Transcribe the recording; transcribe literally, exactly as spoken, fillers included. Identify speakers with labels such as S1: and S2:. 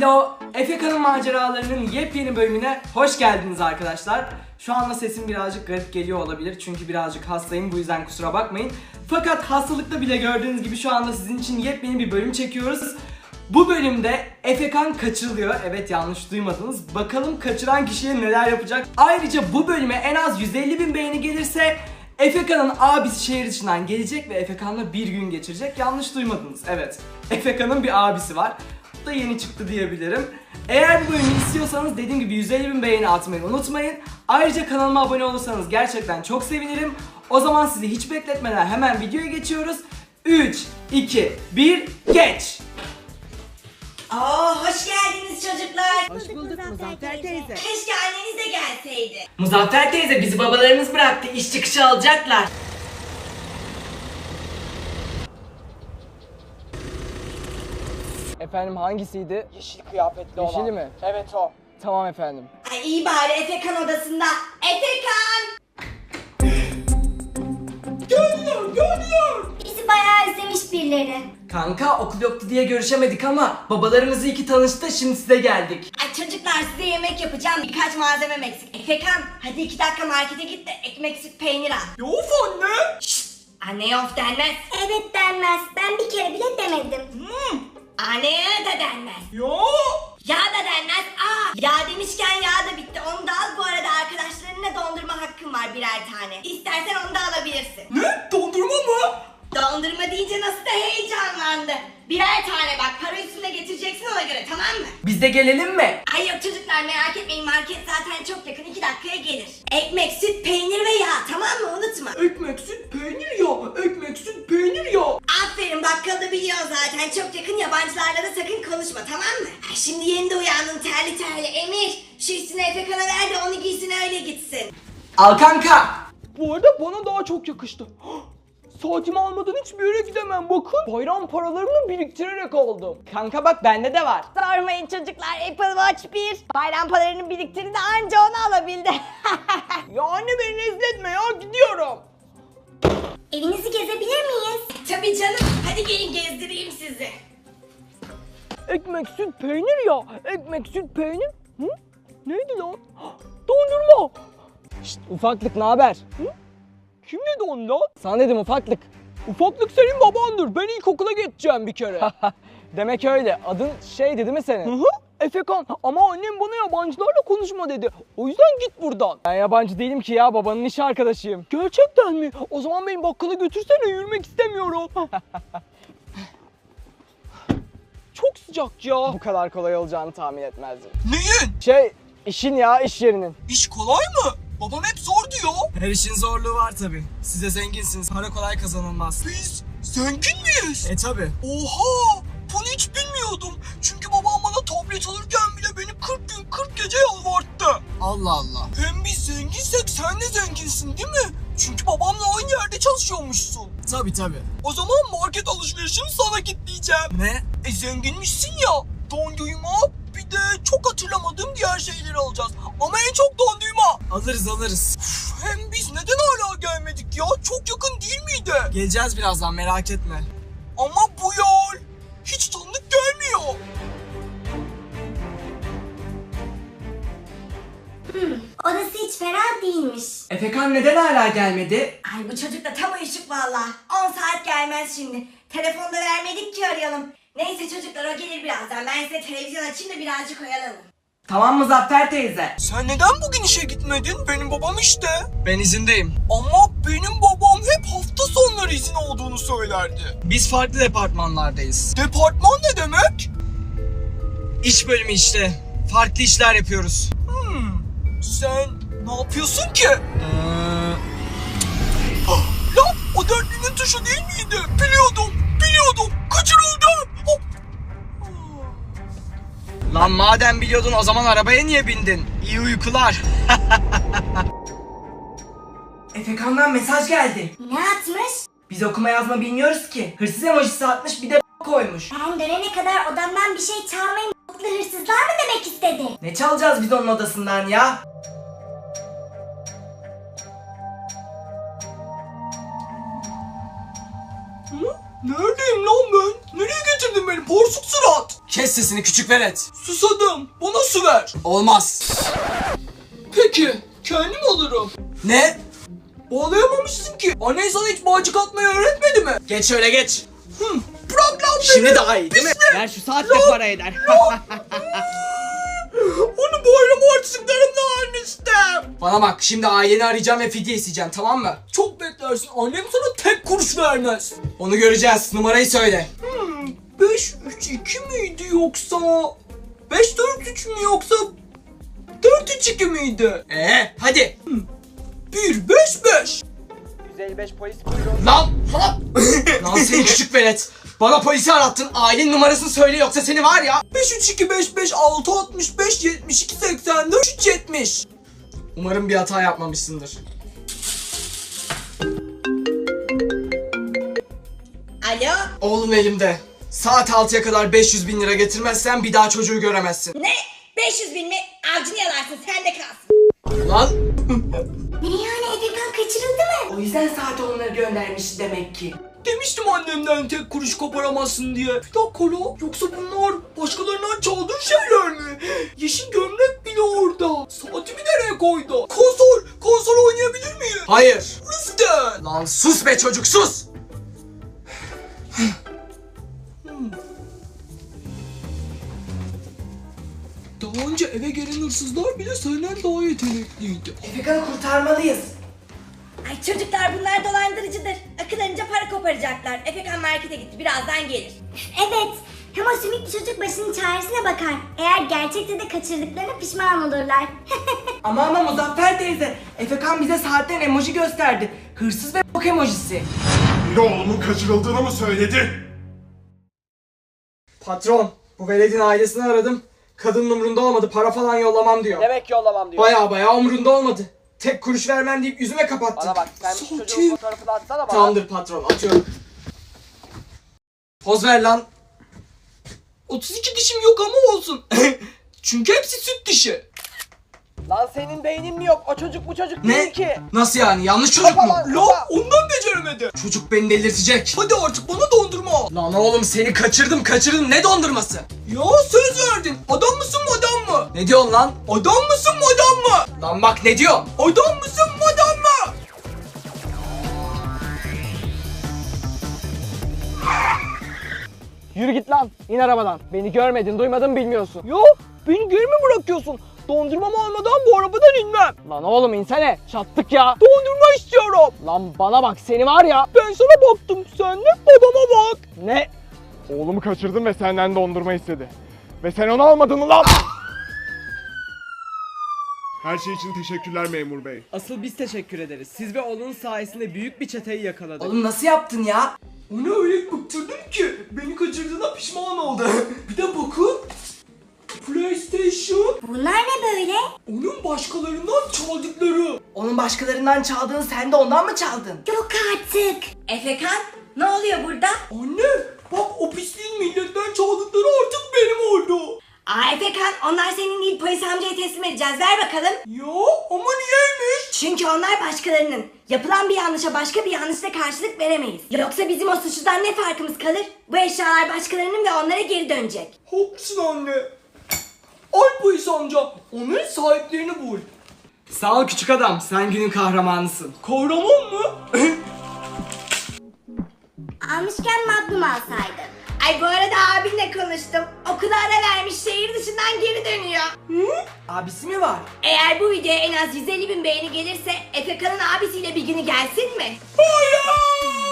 S1: Alo, Efeka'nın maceralarının yepyeni bölümüne hoş geldiniz arkadaşlar. Şu anda sesim birazcık garip geliyor olabilir çünkü birazcık hastayım, bu yüzden kusura bakmayın. Fakat hastalıkta bile gördüğünüz gibi şu anda sizin için yepyeni bir bölüm çekiyoruz. Bu bölümde Efekan kaçırılıyor. Evet, yanlış duymadınız. Bakalım kaçıran kişiye neler yapacak. Ayrıca bu bölüme en az yüz elli bin beğeni gelirse Efekan'ın abisi şehir dışından gelecek ve Efekan'la bir gün geçirecek. Yanlış duymadınız. Evet, Efekan'ın bir abisi var. Bu da yeni çıktı diyebilirim. Eğer bu bölümü istiyorsanız dediğim gibi yüz elli bin beğeni atmayı unutmayın. Ayrıca kanalıma abone olursanız gerçekten çok sevinirim. O zaman sizi hiç bekletmeden hemen videoya geçiyoruz. üç, iki, bir, geç!
S2: Aa, hoş geldiniz çocuklar.
S3: Hoş bulduk Muzaffer teyze.
S2: Keşke anneniz de gelseydi.
S1: Muzaffer teyze, bizi babalarımız bıraktı. İş çıkışı alacaklar.
S4: Efendim hangisiydi?
S1: Yeşil kıyafetli olan.
S4: Yeşili mi?
S1: Evet, o.
S4: Tamam efendim.
S2: Ay iyi bari Efekan odasında. Efekan!
S1: Geliyor, geliyor.
S5: Bizi bayağı özlemiş birileri.
S1: Kanka, okul yoktu diye görüşemedik ama babalarımız iyi ki tanıştı, şimdi size geldik.
S2: Ay çocuklar, size yemek yapacağım. Birkaç malzemem eksik. Efekan, hadi iki dakika markete git de ekmek, süt, peynir al.
S1: Yok anne.
S2: Şşt! Anne of denmez.
S5: Evet denmez. Ben bir kere bile demedim.
S2: Hmm. Anneye de denmez.
S1: Yok.
S2: Yağ da denmez. Aa, yağ demişken yağ da bitti. Onu da al. Bu arada arkadaşlarınla dondurma hakkın var birer tane. İstersen onu da alabilirsin.
S1: Ne? Dondurma mı?
S2: Dondurma deyince nasıl da heyecanlandı. Birer tane bak, para üstüne getireceksin ona göre, tamam mı?
S1: Biz de gelelim mi?
S2: Ay yok çocuklar, merak etmeyin, market zaten çok yakın, iki dakikaya gelir. Ekmek, süt, peynir ve yağ, tamam mı, unutma.
S1: Ekmek, süt, peynir ya. Ekmek, süt, peynir ya.
S2: Aferin, bakkal da biliyor zaten, çok yakın, yabancılarla da sakın konuşma, tamam mı? Ay, şimdi yeni de uyandın terli terli. Emir, şu üstüne Efekan'a ver de onu giysin, öyle gitsin.
S1: Al kanka.
S4: Bu arada bana daha çok yakıştı. Saatimi almadan hiçbir yere gidemem, bakın. Bayram paralarımı biriktirerek aldım. Kanka bak, bende de var.
S2: Sormayın çocuklar, Apple Watch bir. Bayram paralarını biriktirdi de anca onu alabildi.
S4: Ya anne, beni rezil etme ya, gidiyorum.
S5: Evinizi gezebilir miyiz?
S2: Tabii canım, hadi gelin gezdireyim sizi.
S4: Ekmek, süt, peynir ya. Ekmek, süt, peynir. Hı? Neydi lan? Dondurma. Şşt, ufaklık, ne haber? Kim dedi onu lan? Sana dedim, ufaklık. Ufaklık senin babandır. Ben ilkokula geçeceğim bir kere. Demek öyle. Adın şeydi değil mi senin? Hı hı. Efekan. Ama annem bana yabancılarla konuşma dedi. O yüzden git buradan. Ben yabancı değilim ki ya. Babanın iş arkadaşıyım. Gerçekten mi? O zaman beni bakkala götürsene. Yürümek istemiyorum. Çok sıcak ya. Bu kadar kolay olacağını tahmin etmezdim.
S1: Neyin?
S4: Şey, işin ya, iş yerinin.
S1: İş kolay mı? Babam hep zor diyor. Her işin zorluğu var tabi. Siz de zenginsiniz. Para kolay kazanılmaz. Biz zengin miyiz? E tabi. Oha! Bunu hiç bilmiyordum. Çünkü babam bana tablet alırken bile beni kırk gün kırk gece yalvarttı. Allah Allah. Hem biz zenginsek sen de zenginsin değil mi? Çünkü babamla aynı yerde çalışıyormuşsun. Tabi tabi. O zaman market alışverişini sana kitleyeceğim. Ne? E zenginmişsin ya. Dondurma, bir de çok hatırlamadığım diğer şeyleri alacağız. Ama en çok dondurma. Alırız alırız. Uf, hem biz neden hala gelmedik ya? Çok yakın değil miydi? Geleceğiz birazdan, merak etme. Ama bu yol hiç tanıdık gelmiyor.
S5: Hmm, odası hiç fena değilmiş.
S1: Efekan neden hala gelmedi?
S2: Ay bu çocuk da tam uyuşuk valla. on saat gelmez şimdi. Telefonda vermedik ki arayalım. Neyse çocuklar, o gelir birazdan. Ben size televizyon açayım da birazcık oyalanın.
S1: Tamam Muzaffer teyze.
S6: Sen neden bugün işe gitmedin? Benim babam işte.
S1: Ben izindeyim.
S6: Ama benim babam hep hafta sonları izin olduğunu söylerdi.
S1: Biz farklı departmanlardayız.
S6: Departman ne demek?
S1: İş bölümü işte. Farklı işler yapıyoruz.
S6: Hmm, sen ne yapıyorsun ki?
S1: Ee...
S6: Ah, lan o dörtlünün tuşu değil miydi? Biliyordum, biliyordum. Kaçırıldım. Hop.
S1: Lan madem biliyordun, o zaman arabaya niye bindin? İyi uykular. Efekan'dan mesaj geldi.
S5: Ne atmış?
S1: Biz okuma yazma bilmiyoruz ki. Hırsız emojisi atmış, bir de koymuş.
S5: Ben dönene kadar odamdan bir şey çalmayın. Mutlu hırsızlar mı demek istedi?
S1: Ne çalacağız biz onun odasından ya?
S6: Hı? Neredeyim lan ben? Nereye getirdin beni porsuk surat?
S1: Kes sesini küçük velet.
S6: Susadım. Bana su ver.
S1: Olmaz.
S6: Peki. Kendim alırım.
S1: Ne?
S6: Bağlayamamışsın ki. Annen sana hiç bağcık atmayı öğretmedi mi?
S1: Geç şöyle geç.
S6: Hı. Bırak lan beni.
S1: Şimdi daha iyi değil mi?
S4: Ver şu saat de para eder.
S6: Onu bayram harçlıklarımla almıştım.
S1: Bana bak, şimdi aileni arayacağım ve fidye isteyeceğim, tamam mı?
S6: Çok beklersin. Annem sana tek kuruş vermez.
S1: Onu göreceğiz. Numarayı söyle.
S6: Hmm, beş üç iki miydi yoksa? beş dört üç mü yoksa? dört üç iki miydi?
S1: Ee, hadi.
S6: bir beş beş.
S4: yüz elli beş polis kuyruğu.
S1: Lan, lan. Lan seni küçük velet. Bana polisi arattın. Ailenin numarasını söyle yoksa seni var ya.
S6: beş üç iki beş beş altı altmış beş yetmiş iki seksen dört üç yetmiş.
S1: Umarım bir hata yapmamışsındır.
S2: Alo?
S1: Oğlum elimde. Saat altıya kadar beş yüz bin lira getirmezsen bir daha çocuğu göremezsin.
S2: Ne? beş yüz bin mi? Avcını yalarsın, sen de kalsın.
S1: Lan.
S5: Ne yani Efekan kaçırıldı mı?
S1: O yüzden saat onları göndermiş demek ki.
S6: Demiştim annemden tek kuruş koparamazsın diye. Bir dakika la. Yoksa bunlar başkalarından çaldığın şeyler mi? Yeşil gömlek bile orada. Saatimi nereye koydu? Konsol. Konsol oynayabilir miyim?
S1: Hayır.
S6: Lütfen.
S1: Lan sus be çocuk, sus.
S6: Daha önce eve gelen hırsızlar bile senden daha yetenekliydi.
S1: Efekan'ı kurtarmalıyız.
S2: Ay çocuklar, bunlar dolandırıcıdır. Akıllarınca para koparacaklar. Efekan markete gitti, birazdan gelir.
S5: Evet. Hem o sümüklü çocuk başının çaresine bakar. Eğer gerçekte de kaçırdıklarına pişman olurlar.
S1: Ama ama Muzaffer teyze, Efekan bize saatten emoji gösterdi. Hırsız ve bok emojisi.
S3: Biri oğlumun kaçırıldığını mı söyledi?
S1: Patron, bu veledin ailesini aradım. Kadının umrunda olmadı, para falan yollamam diyor.
S4: Demek yollamam diyor.
S1: Baya baya umrunda olmadı. Tek kuruş vermem deyip yüzüme kapattı.
S4: Bana bak, sen bu
S6: Sakin.
S4: çocuğun fotoğrafını atsana bana.
S1: Tamamdır patron, atıyorum. Poz ver lan.
S6: otuz iki dişim yok ama olsun. Çünkü hepsi süt dişi.
S4: Lan senin beynin mi yok? O çocuk bu çocuk
S1: Ne?
S4: değil ki.
S1: Nasıl yani? Yanlış çocuk mu?
S4: Kafa lan.
S6: La ondan beceremedi.
S1: Çocuk beni delirtecek.
S6: Hadi artık bana dondurma al.
S1: Lan oğlum seni kaçırdım kaçırdım, ne dondurması?
S6: Ya söz verdin. Adam mısın madam mı?
S1: Ne diyorsun lan?
S6: Adam mısın madam mı?
S1: Lan bak ne diyor?
S6: Adam mısın madam mı?
S4: Yürü git lan. İn arabadan. Beni görmedin, duymadın, bilmiyorsun. Yo, beni geri mi bırakıyorsun? Dondurmamı almadan bu arabadan inmem. Lan oğlum insene. Çattık ya. Dondurma istiyorum. Lan bana bak, seni var ya. Ben sana baktım. Sen de babama bak. Ne?
S7: Oğlumu kaçırdım ve senden dondurma istedi. Ve sen onu almadın mı lan?
S3: Her şey için teşekkürler memur bey.
S4: Asıl biz teşekkür ederiz. Siz ve oğlunuz sayesinde büyük bir çeteyi yakaladık.
S1: Oğlum nasıl yaptın ya?
S6: Onu öyle bıktırdım ki beni kaçırdığına pişman oldu. Bir de bakın. PlayStation.
S5: Bunlar ne böyle?
S6: Onun başkalarından çaldıkları.
S1: Onun başkalarından çaldığını sen de ondan mı çaldın?
S5: Yok artık.
S2: Efekan, ne oluyor burada?
S6: Anne bak o pisliğin milletten çaldıkları artık benim oldu.
S2: Aa Efekan, onlar senin değil, polis amcaya teslim edeceğiz. Ver bakalım.
S6: Ya ama niyeymiş?
S2: Çünkü onlar başkalarının. Yapılan bir yanlışa başka bir yanlışla karşılık veremeyiz. Yoksa bizim o suçludan ne farkımız kalır? Bu eşyalar başkalarının ve onlara geri dönecek.
S6: Haklısın anne. Ay polis amca onların sahiplerini bul.
S1: Sağ ol küçük adam, sen günün kahramanısın.
S6: Kahraman mı?
S5: Almışken Magnum alsaydın.
S2: Ay bu arada abinle konuştum. Okula ara vermiş, şehir dışından geri dönüyor.
S1: Abisi mi var?
S2: Eğer bu videoya en az yüz elli bin beğeni gelirse Efekan'ın abisiyle bir günü gelsin mi?
S6: Hayır!